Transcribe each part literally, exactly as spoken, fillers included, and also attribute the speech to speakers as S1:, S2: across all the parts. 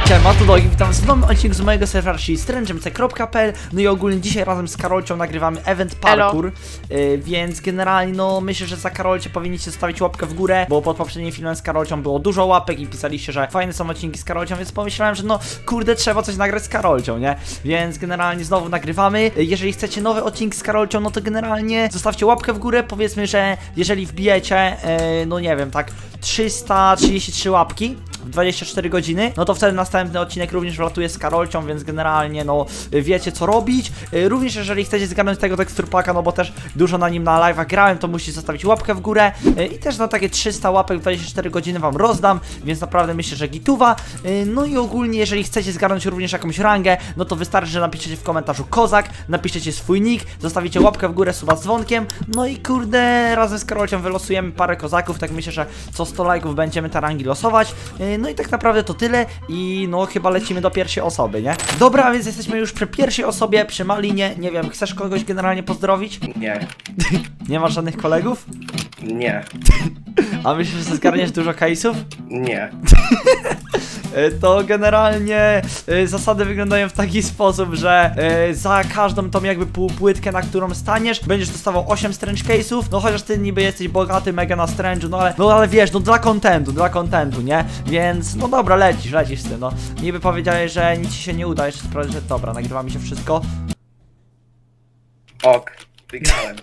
S1: Siema, to Dogi, witam w nowym odcinku z mojego serwera, czyli stręczemce kropka p l. No i ogólnie dzisiaj razem z Karolcią nagrywamy event parkour, yy, więc generalnie no myślę, że za Karolcie powinniście zostawić łapkę w górę, bo pod poprzednim filmem z Karolcią było dużo łapek i pisaliście, że fajne są odcinki z Karolcią, więc pomyślałem, że no kurde, trzeba coś nagrać z Karolcią, nie? Więc generalnie znowu nagrywamy. Jeżeli chcecie nowy odcinek z Karolcią, no to generalnie zostawcie łapkę w górę. Powiedzmy, że jeżeli wbijecie, yy, no nie wiem, tak trzysta trzydzieści trzy łapki w dwadzieścia cztery godziny, no to wtedy następny odcinek również wlatuje z Karolcią, więc generalnie no wiecie co robić. Również jeżeli chcecie zgarnąć tego teksturpaka, no bo też dużo na nim na live'ach grałem, to musicie zostawić łapkę w górę i też na takie trzysta łapek w dwadzieścia cztery godziny wam rozdam, więc naprawdę myślę, że gituwa. No i ogólnie jeżeli chcecie zgarnąć również jakąś rangę, no to wystarczy, że napiszecie w komentarzu kozak, napiszecie swój nick, zostawicie łapkę w górę, suba z dzwonkiem, no i kurde, razem z Karolcią wylosujemy parę kozaków, tak myślę, że co sto lajków będziemy te rangi losować. No i tak naprawdę to tyle i no chyba lecimy do pierwszej osoby, nie? Dobra, więc jesteśmy już przy pierwszej osobie, przy Malinie. Nie wiem, chcesz kogoś generalnie pozdrowić?
S2: Nie.
S1: Nie masz żadnych kolegów?
S2: Nie.
S1: A myślisz, że zgarniesz dużo case'ów?
S2: Nie.
S1: To generalnie y, zasady wyglądają w taki sposób, że y, za każdą tą jakby półpłytkę, na którą staniesz, będziesz dostawał osiem strange case'ów. No chociaż ty niby jesteś bogaty, mega na strange'u, no ale, no ale wiesz, no dla kontentu, dla kontentu, nie? Więc no dobra, lecisz, lecisz z tym, no. Niby powiedziałeś, że nic ci się nie uda, jeszcze sprawdzę, że dobra, nagrywa mi się wszystko.
S2: Ok. Wygrałem.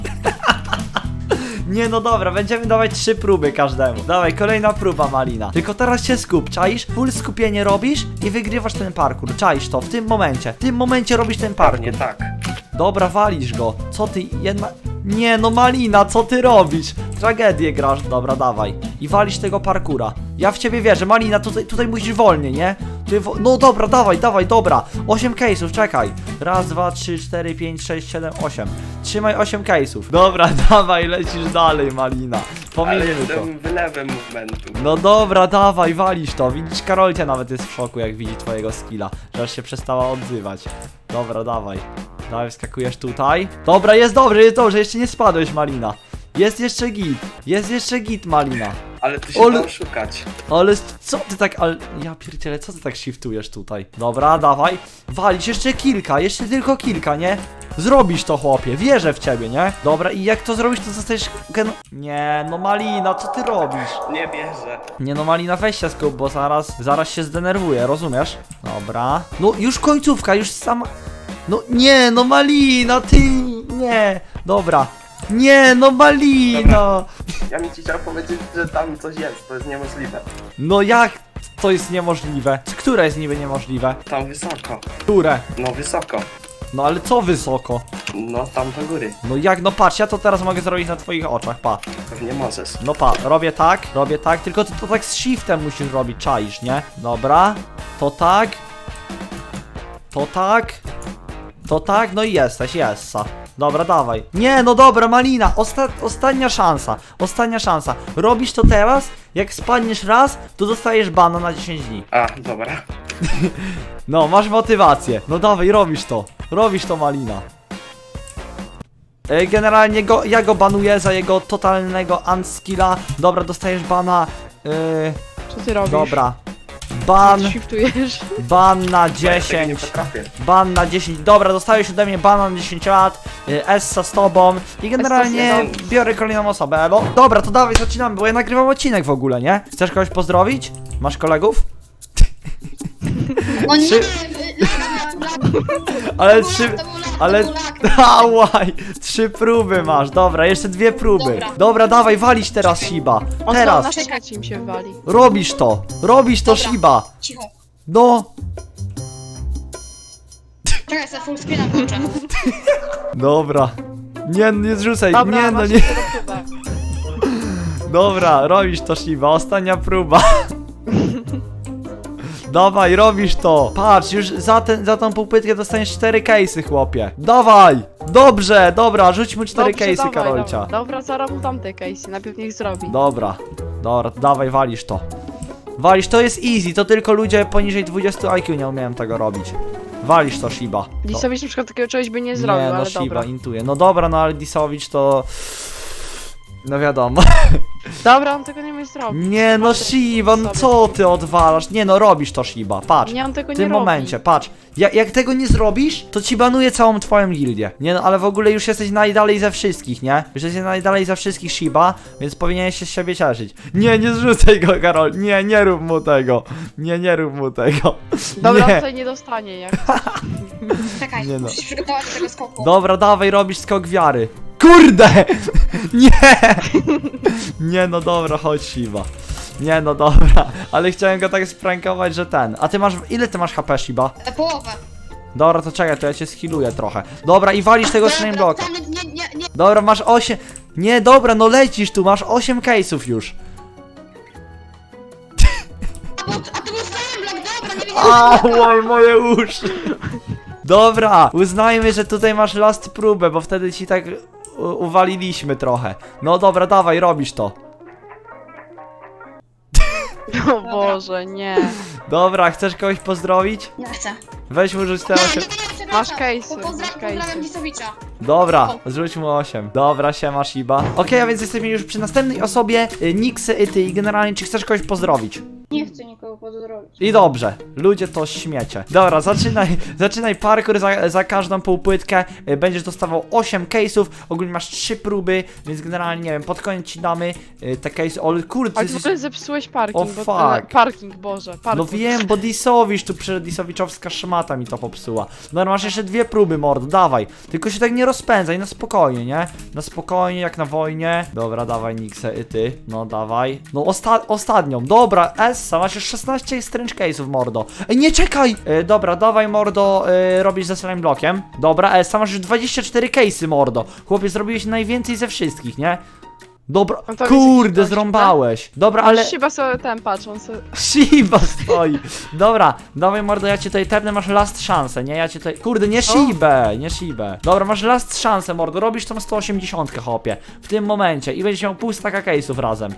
S1: Nie, no dobra, będziemy dawać trzy próby każdemu. Dawaj, kolejna próba, Malina. Tylko teraz się skup, czaisz? Full skupienie robisz i wygrywasz ten parkour. Czaisz to, w tym momencie. W tym momencie robisz ten parkour.
S2: Nie tak.
S1: Dobra, walisz go. Co ty, jedna... Nie, no Malina, co ty robisz? Tragedię grasz. Dobra, dawaj. I walisz tego parkura. Ja w ciebie wierzę. Malina, tutaj, tutaj musisz wolniej, nie? Tutaj wo... No dobra, dawaj, dawaj, dobra. osiem case'ów, czekaj. Raz, dwa, trzy, cztery, pięć, sześć, siedem, osiem. Trzymaj osiem case'ów. Dobra, dawaj, lecisz dalej, Malina.
S2: Ale
S1: Pomijmy to.
S2: jestem wylewem movementu.
S1: No dobra, dawaj, walisz to. Widzisz, Karolcia nawet jest w szoku, jak widzi twojego skilla, że aż się przestała odzywać. Dobra, dawaj. Dawaj, wskakujesz tutaj. Dobra, jest dobrze, jest dobrze, jeszcze nie spadłeś, Malina. Jest jeszcze git, jest jeszcze git, Malina.
S2: Ale ty się
S1: Ol-
S2: dał szukać.
S1: Ale co ty tak, ale... Ja pierdzielę, co ty tak shiftujesz tutaj? Dobra, dawaj. Walisz jeszcze kilka, jeszcze tylko kilka, nie? Zrobisz to, chłopie, wierzę w ciebie, nie? Dobra, i jak to zrobisz, to zostajesz gen... Nie, no Malina, co ty robisz?
S2: Nie bierze.
S1: Nie no, Malina, weź się skup, bo zaraz, zaraz się zdenerwuję, rozumiesz? Dobra. No, już końcówka, już sama... No nie, no Malina, ty... Nie, dobra. Nie, no Malina.
S2: Ja mi ci chciał powiedzieć, że tam coś jest. To jest niemożliwe.
S1: No jak to jest niemożliwe? Które jest niby niemożliwe?
S2: Tam wysoko.
S1: Które?
S2: No wysoko.
S1: No ale co wysoko?
S2: No tam do góry.
S1: No jak, no patrz, ja to teraz mogę zrobić na twoich oczach, pa.
S2: Pewnie możesz.
S1: No pa, robię tak, robię tak, tylko ty to tak z shiftem musisz robić, czaisz, nie? Dobra, to tak. To tak. To tak, no i jesteś, jessa. Dobra, dawaj. Nie, no dobra, Malina, osta ostatnia szansa, ostatnia szansa. Robisz to teraz, jak spadniesz raz, to dostajesz bana na dziesięć dni.
S2: A, dobra.
S1: No, masz motywację. No dawaj, robisz to. Robisz to, Malina. E, Generalnie go, ja go banuję za jego totalnego unskilla. Dobra, dostajesz bana. E,
S3: Co ty robisz?
S1: dobra. Ban,
S3: Shiftujesz?
S1: ban na
S2: Ja tego nie
S1: dziesięć.
S2: potrafię.
S1: Ban na dziesięć. Dobra, dostałeś ode mnie bana na dziesięć lat. e, Essa z tobą. I generalnie
S3: Essa z tobą.
S1: biorę kolejną osobę, elo. Dobra, to dawaj, zaczynamy, bo ja nagrywam odcinek w ogóle, nie? Chcesz kogoś pozdrowić? Masz kolegów?
S4: O nie,
S1: Trzy- Ale trzy... Ale... Ałaj! Trzy próby masz, dobra, jeszcze dwie próby. Dobra,
S4: Dobra.
S1: dawaj, walić teraz, Shiba.
S3: On
S1: Teraz.
S3: na trzecim się wali.
S1: Robisz to, robisz to,
S4: Dobra.
S1: Shiba.
S4: Cicho.
S1: No.
S4: Czekaj, za full screena włączę.
S1: Dobra. Nie, nie zrzucaj,
S3: Dobra,
S1: nie no
S3: masz
S1: nie.
S3: jeszcze do próbę.
S1: Dobra, robisz to, Shiba, ostatnia próba. Dawaj, robisz to. Patrz, już za, ten, za tą półpytkę dostaniesz cztery case'y, chłopie. Dawaj. Dobrze, dobra, rzuć mu cztery
S3: Dobrze,
S1: case'y,
S3: dawaj,
S1: Karolcia.
S3: Dobra, dobra, zaraz mu tamte case'y, najpierw niech zrobi.
S1: Dobra, dobra, dawaj, walisz to. Walisz, to jest easy, to tylko ludzie poniżej dwudziestu I Q nie umieją tego robić. Walisz to, Shiba. No.
S3: Disowicz na przykład takiego czegoś by nie zrobił,
S1: Nie, no
S3: ale
S1: Shiba,
S3: dobra.
S1: intuje. No dobra, no ale Disowicz to... No wiadomo.
S3: Dobra, on tego nie umie zrobić.
S1: Nie no Shiba, no co ty odwalasz? Nie no, robisz to Shiba, patrz.
S3: Nie, on tego
S1: W
S3: nie
S1: tym
S3: robi.
S1: momencie, patrz. Ja, jak tego nie zrobisz, to ci banuję całą twoją gildię. Nie no, ale w ogóle już jesteś najdalej ze wszystkich, nie? Już jesteś najdalej ze wszystkich Shiba, więc powinieneś się z siebie cieszyć. Nie, nie zrzucaj go, Karol. Nie, nie rób mu tego. Nie, nie rób mu tego.
S3: Dobra, on
S1: Nie.
S3: tutaj nie dostanie jak.
S4: Czekaj,
S1: Nie no.
S4: musisz przygotować do tego skoku.
S1: Dobra, dawaj, robisz skok wiary. Kurde! Nie! Nie no dobra, chodź Shiba. Nie no dobra, ale chciałem go tak sprankować, że ten. A ty masz, ile ty masz H P Shiba?
S4: E, Połowę.
S1: Dobra, to czekaj, to ja cię skilluję trochę. Dobra, i walisz tego slime blocka.
S4: Tam Nie, nie, nie.
S1: Dobra, masz osiem. Nie, dobra, no lecisz tu, masz osiem case'ów już.
S4: A, bo, a to był slime block, dobra, nie wiedziałem.
S1: Oj, moje uszy. Dobra, uznajmy, że tutaj masz last próbę, bo wtedy ci tak u- uwaliliśmy trochę. No dobra, dawaj, robisz to.
S3: O Boże, nie.
S1: Dobra, chcesz kogoś pozdrowić?
S4: Nie chcę.
S1: Weź mu rzuć te
S4: Nie, nie,
S1: osiem.
S4: nie, przepraszam.
S3: Masz case'y,
S4: Po- pozdra-
S3: masz
S4: Pozdrawiam
S3: case'y.
S4: Dzisowicza.
S1: Dobra, zrzuć mu osiem. Dobra, siema Shiba. Okej, a więc jesteśmy już przy następnej osobie, y, Nixy i ty, i generalnie czy chcesz kogoś pozdrowić?
S4: Nie chcę nikogo pozdrowić.
S1: I dobrze, ludzie to śmiecie. Dobra, zaczynaj, zaczynaj parkour za, za każdą półpłytkę. y, Będziesz dostawał osiem case'ów, ogólnie masz trzy próby, więc generalnie nie wiem, pod koniec ci damy y, te case'y. O kurde,
S3: Ale
S1: ty
S3: w
S1: jesteś...
S3: ogóle zepsułeś parking.
S1: O,
S3: bo,
S1: fuck.
S3: e, Parking, Boże,
S1: No
S3: parking.
S1: wiem, bo Disowicz tu przed Disowiczowska szmata mi to popsuła. No masz jeszcze dwie próby, mordo, dawaj. Tylko się tak nie rozpędzaj, na spokojnie, nie? Na spokojnie, jak na wojnie. Dobra, dawaj Nixę i ty. No dawaj. No osta ostatnią, dobra, Essa, masz już szesnaście strange case'ów, mordo. Ej, nie czekaj! E, dobra, dawaj, mordo, e, robisz ze slime blockiem. Dobra, Essa, masz już dwadzieścia cztery case'y, mordo. Chłopie, zrobiłeś najwięcej ze wszystkich, nie? Dobra,
S3: No to
S1: kurde,
S3: jesteś
S1: zrąbałeś. Dobra,
S3: Ale
S1: ale...
S3: chyba sobie ten patrzą sobie.
S1: Shiba stoi. Dobra, dawaj mordo, ja cię tutaj tepnę, masz last szansę, nie? Ja cię tutaj... Kurde, nie Shibę, nie Shibę. Dobra, masz last szansę, mordo, robisz tą sto osiemdziesiąt, hopie. W tym momencie i będziesz miał pół staka case'ów razem.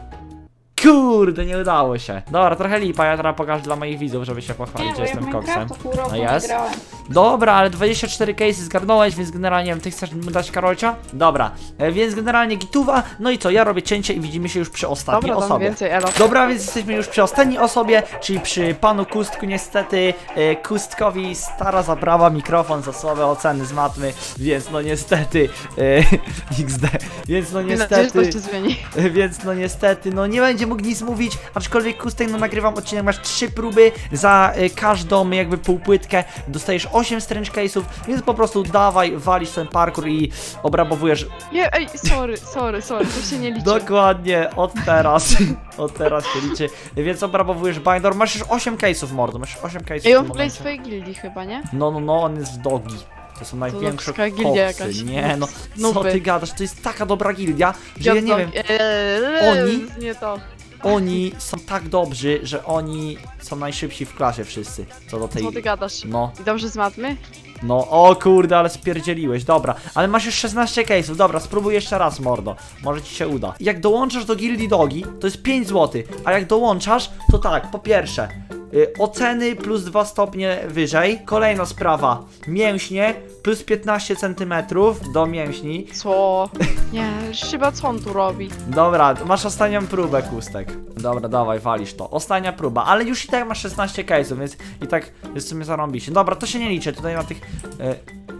S1: Kurde, nie udało się. Dobra, trochę lipa, ja teraz pokażę dla moich widzów, żeby się pochwalić, że jestem koksem. No jest. Dobra, ale dwadzieścia cztery case'y zgarnąłeś, więc generalnie, nie wiem, ty chcesz mu dać Karolcia? Dobra, e, więc generalnie gituwa, no i co, ja robię cięcie i widzimy się już przy ostatniej
S3: Dobra, dam
S1: osobie.
S3: więcej, elo.
S1: Dobra, więc jesteśmy już przy ostatniej osobie, czyli przy panu Kustku. Niestety e, Kustkowi stara zabrała mikrofon za słabe oceny z matmy, więc no niestety e, X D, więc no
S3: Mam nadzieję, że
S1: niestety,
S3: to się zmieni.
S1: e, więc no niestety, no nie będzie mógł nic mówić, aczkolwiek Kustek, no nagrywam odcinek, masz trzy próby, za e, każdą jakby półpłytkę dostajesz osiem strange case'ów, więc po prostu dawaj, walisz ten parkour i obrabowujesz.
S3: Nie, ej, sorry, sorry, sorry, to się nie liczy.
S1: Dokładnie, od teraz, od teraz się liczy, więc obrabowujesz binder, masz już osiem case'ów, mordo, masz już osiem case'ów
S3: Ej,
S1: w
S3: on
S1: tym
S3: w ogóle jest w
S1: momencie.
S3: twojej gildii chyba, nie?
S1: No, no, no, on jest w dogi. To są największe
S3: ludzka gildia
S1: koksy.
S3: jakaś.
S1: Nie no, co
S3: Nuby.
S1: ty gadasz, to jest taka dobra gildia, że ja nie wiem,
S3: Eee,
S1: Oni?
S3: Nie to.
S1: oni są tak dobrzy, że oni są najszybsi w klasie wszyscy, co do tej...
S3: Co ty gadasz?
S1: No,
S3: I dobrze z matmy?
S1: no, o kurde, ale spierdzieliłeś, dobra, ale masz już szesnaście case'ów, dobra, spróbuj jeszcze raz, mordo, może ci się uda. Jak dołączasz do gildii dogi, to jest pięć złotych, a jak dołączasz, to tak, po pierwsze, y, oceny plus dwa stopnie wyżej, kolejna sprawa, mięśnie plus piętnaście centymetrów do mięśni.
S3: Co? Nie, chyba co on tu robi?
S1: Dobra, masz ostatnią próbę, Kustek. Dobra, dawaj, walisz to. Ostatnia próba, ale już i tak masz szesnaście case'ów, więc i tak jest w sumie zarąbiście. Dobra, to się nie liczy, tutaj na tych... E,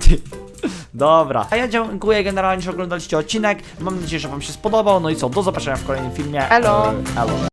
S1: dobra, a ja dziękuję generalnie, że oglądaliście odcinek. Mam nadzieję, że wam się spodobał. No i co, do zobaczenia w kolejnym filmie.
S3: Elo.
S1: E, elo.